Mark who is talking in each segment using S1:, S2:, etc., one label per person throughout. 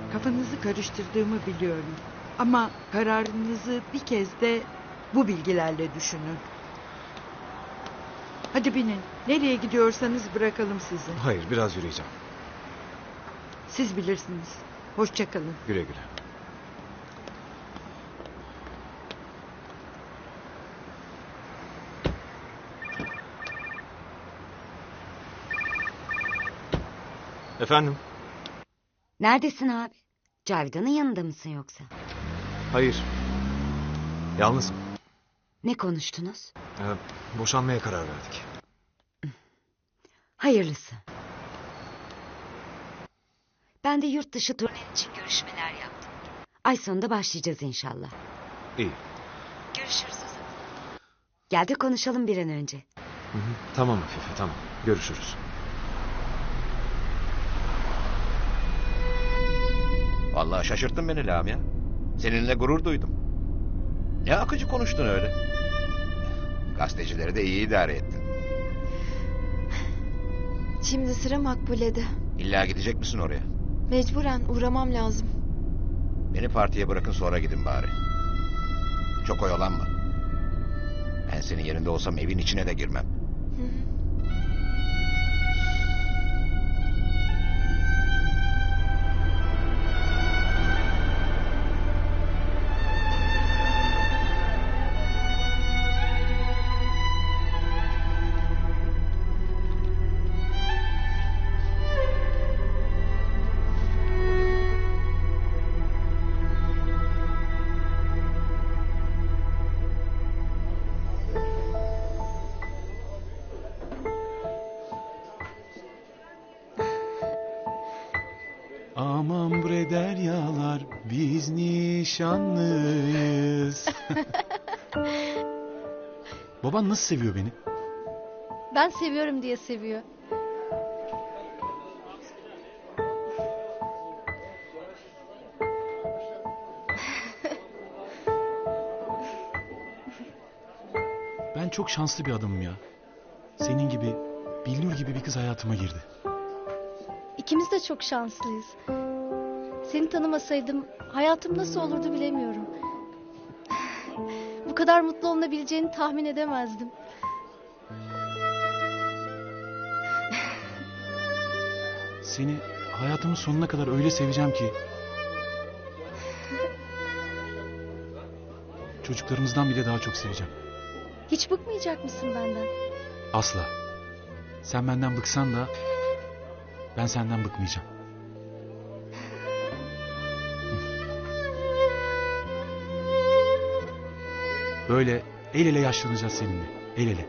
S1: Kafanızı karıştırdığımı biliyorum. Ama kararınızı bir kez de bu bilgilerle düşünün. Hadi binin. Nereye gidiyorsanız bırakalım sizi.
S2: Hayır, biraz yürüyeceğim.
S1: Siz bilirsiniz. Hoşça kalın.
S2: Güle güle. Efendim?
S3: Neredesin abi? Cavidan'ın yanında mısın yoksa?
S2: Hayır. Yalnızım.
S3: Ne konuştunuz?
S2: Boşanmaya karar verdik.
S3: Hayırlısı. Ben de yurt dışı turnen için görüşmeler yaptım. Ay sonunda başlayacağız inşallah.
S2: İyi.
S3: Görüşürüz o zaman. Gel de konuşalım bir an önce.
S2: Hı hı. Tamam Afife, tamam. Görüşürüz.
S4: Vallahi şaşırttın beni Lamia. Seninle gurur duydum. Ne akıcı konuştun öyle. Gazetecileri de iyi idare ettin.
S5: Şimdi sıra Makbule'de.
S4: İlla gidecek misin oraya?
S5: Mecburen uğramam lazım.
S4: Beni partiye bırakın, sonra gidin bari. Çok oyalanma. Ben senin yerinde olsam evin içine de girmem.
S5: Hı hı.
S6: Aman bre deryalar, biz nişanlıyız. Baban nasıl seviyor beni?
S7: Ben seviyorum diye seviyor.
S6: Ben çok şanslı bir adamım ya. Senin gibi, Bilnur gibi bir kız hayatıma girdi.
S7: İkimiz de çok şanslıyız. Seni tanımasaydım hayatım nasıl olurdu bilemiyorum. Bu kadar mutlu olunabileceğini tahmin edemezdim.
S6: Seni hayatımın sonuna kadar öyle seveceğim ki... çocuklarımızdan bile daha çok seveceğim.
S7: Hiç bıkmayacak mısın benden?
S6: Asla. Sen benden bıksan da... ben senden bıkmayacağım. Böyle el ele yaşlanacağız seninle. El ele.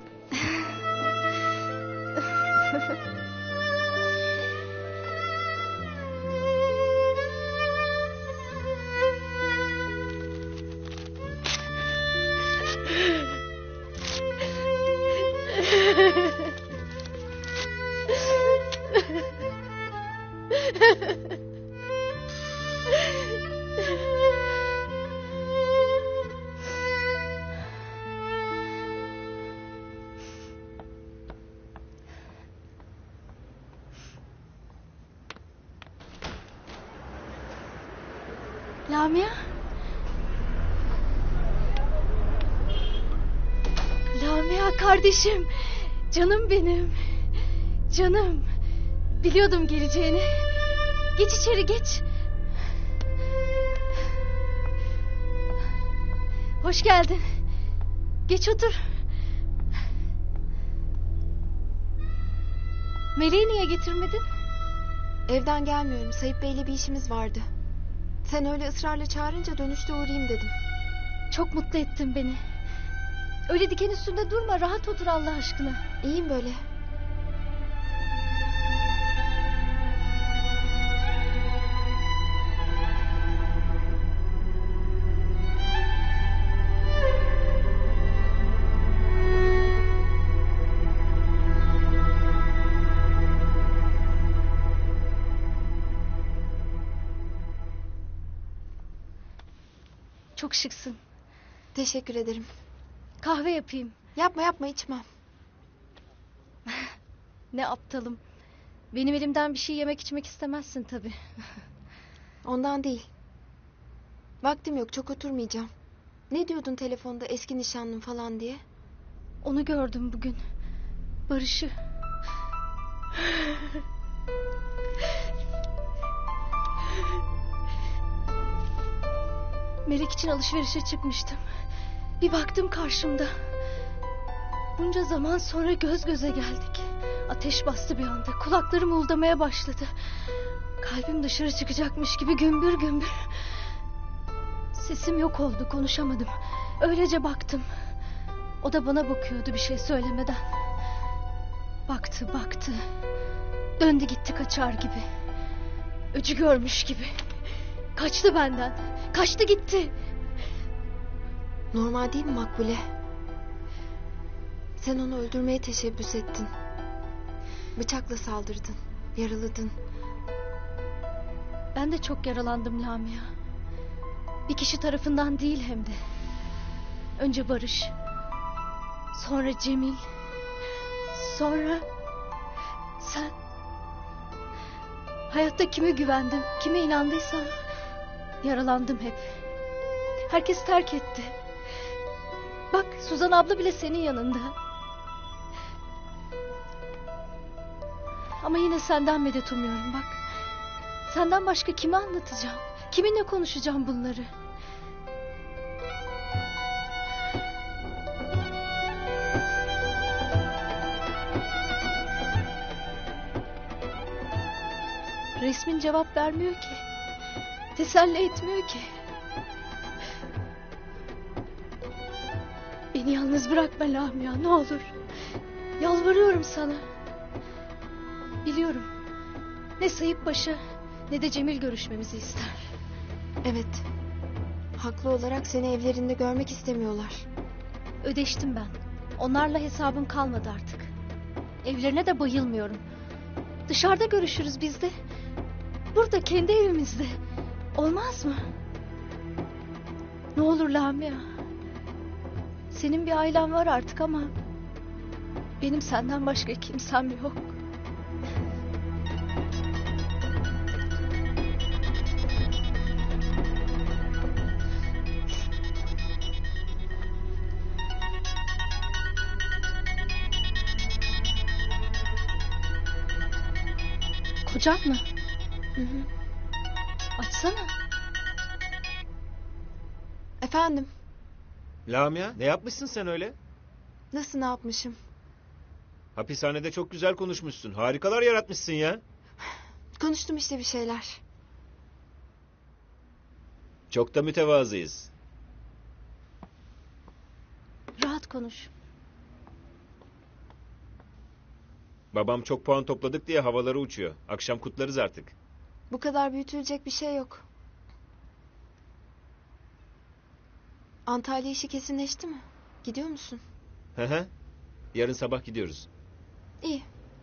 S7: Lamia? Lamia kardeşim. Canım benim. Canım. Biliyordum geleceğini. Geç içeri, geç. Hoş geldin. Geç otur. Meleği niye getirmedin?
S5: Evden gelmiyorum. Sayıp Bey'le bir işimiz vardı. Sen öyle ısrarla çağırınca dönüşte uğrayayım dedim.
S7: Çok mutlu ettin beni. Öyle diken üstünde durma, rahat otur Allah aşkına.
S5: İyiyim böyle.
S7: Çok şıksın.
S5: Teşekkür ederim.
S7: Kahve yapayım.
S5: Yapma yapma, içmem.
S7: Ne aptalım. Benim elimden bir şey yemek içmek istemezsin tabii.
S5: Ondan değil. Vaktim yok, çok oturmayacağım. Ne diyordun telefonda eski nişanlım falan diye?
S7: Onu gördüm bugün. Barış'ı. Melek için alışverişe çıkmıştım. Bir baktım karşımda. Bunca zaman sonra göz göze geldik. Ateş bastı bir anda. Kulaklarım uğuldamaya başladı. Kalbim dışarı çıkacakmış gibi gümbür gümbür. Sesim yok oldu, konuşamadım. Öylece baktım. O da bana bakıyordu bir şey söylemeden. Baktı baktı. Döndü gitti kaçar gibi. Öcü görmüş gibi. Kaçtı benden. Kaçtı gitti.
S5: Normal değil mi Makbule? Sen onu öldürmeye teşebbüs ettin. Bıçakla saldırdın. Yaraladın.
S7: Ben de çok yaralandım Lamia. Bir kişi tarafından değil hem de. Önce Barış. Sonra Cemil. Sonra sen. Hayatta kime güvendim, kime inandıysam yaralandım hep. Herkes terk etti. Bak Suzan abla bile senin yanında. Ama yine senden medet umuyorum bak. Senden başka kime anlatacağım? Kiminle konuşacağım bunları? Resmin cevap vermiyor ki. Teselli etmiyor ki. Beni yalnız bırakma Lamia ne olur. Yalvarıyorum sana. Biliyorum. Ne Sayıp Paşa ne de Cemil görüşmemizi ister.
S5: Evet. Haklı olarak seni evlerinde görmek istemiyorlar.
S7: Ödeştim ben. Onlarla hesabım kalmadı artık. Evlerine de bayılmıyorum. Dışarıda görüşürüz biz de. Burada kendi evimizde. Olmaz mı? Ne olur Lamia. Senin bir ailen var artık ama benim senden başka kimsem yok. Kocan mı?
S5: Hı hı.
S7: Açsana.
S5: Efendim,
S8: Lamia, ne yapmışsın sen öyle?
S5: nasıl ne yapmışım?
S8: Hapishanede çok güzel konuşmuşsun. Harikalar yaratmışsın ya.
S5: Konuştum işte bir şeyler.
S8: Çok da mütevazıyız.
S7: Rahat konuş.
S8: Babam çok puan topladık diye havalara uçuyor. Akşam kutlarız artık.
S5: Bu kadar büyütülecek bir şey yok. Antalya işi kesinleşti mi? Gidiyor musun?
S8: Hı hı. Yarın sabah gidiyoruz.
S5: İyi.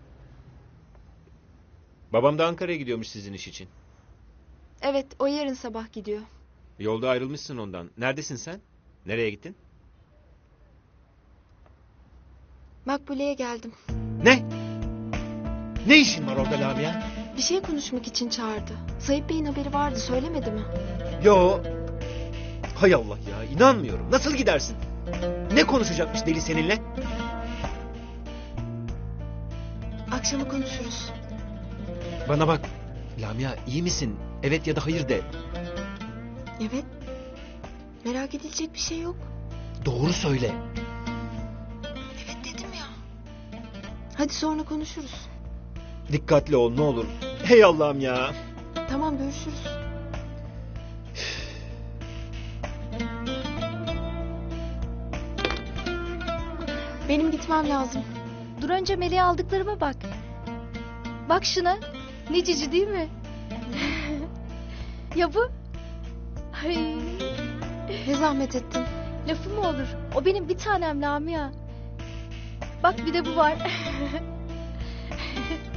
S8: Babam da Ankara'ya gidiyormuş sizin iş için.
S5: Evet, o yarın sabah gidiyor.
S8: Yolda ayrılmışsın ondan. Neredesin sen? Nereye gittin?
S5: Makbule'ye geldim.
S8: Ne? Ne işin var orada Lamia?
S5: Bir şey konuşmak için çağırdı. Sayıp Bey'in haberi vardı, söylemedi mi?
S8: Yo. Hay Allah ya, inanmıyorum. Nasıl gidersin? Ne konuşacakmış deli seninle?
S5: Akşama konuşuruz.
S8: Bana bak. Lamia, iyi misin? Evet ya da hayır de.
S5: Evet. Merak edilecek bir şey yok.
S8: Doğru söyle.
S5: Evet dedim ya. Hadi sonra konuşuruz.
S8: Dikkatli ol ne olur. Hey Allah'ım ya.
S5: Tamam, görüşürüz. Benim gitmem lazım.
S7: Dur önce Melek'e aldıklarıma bak. Bak şuna. Ne cici değil mi? Ya bu? Ay,
S5: Ne zahmet ettin.
S7: lafı mı olur? O benim bir tanem Lamia. Bak bir de bu var.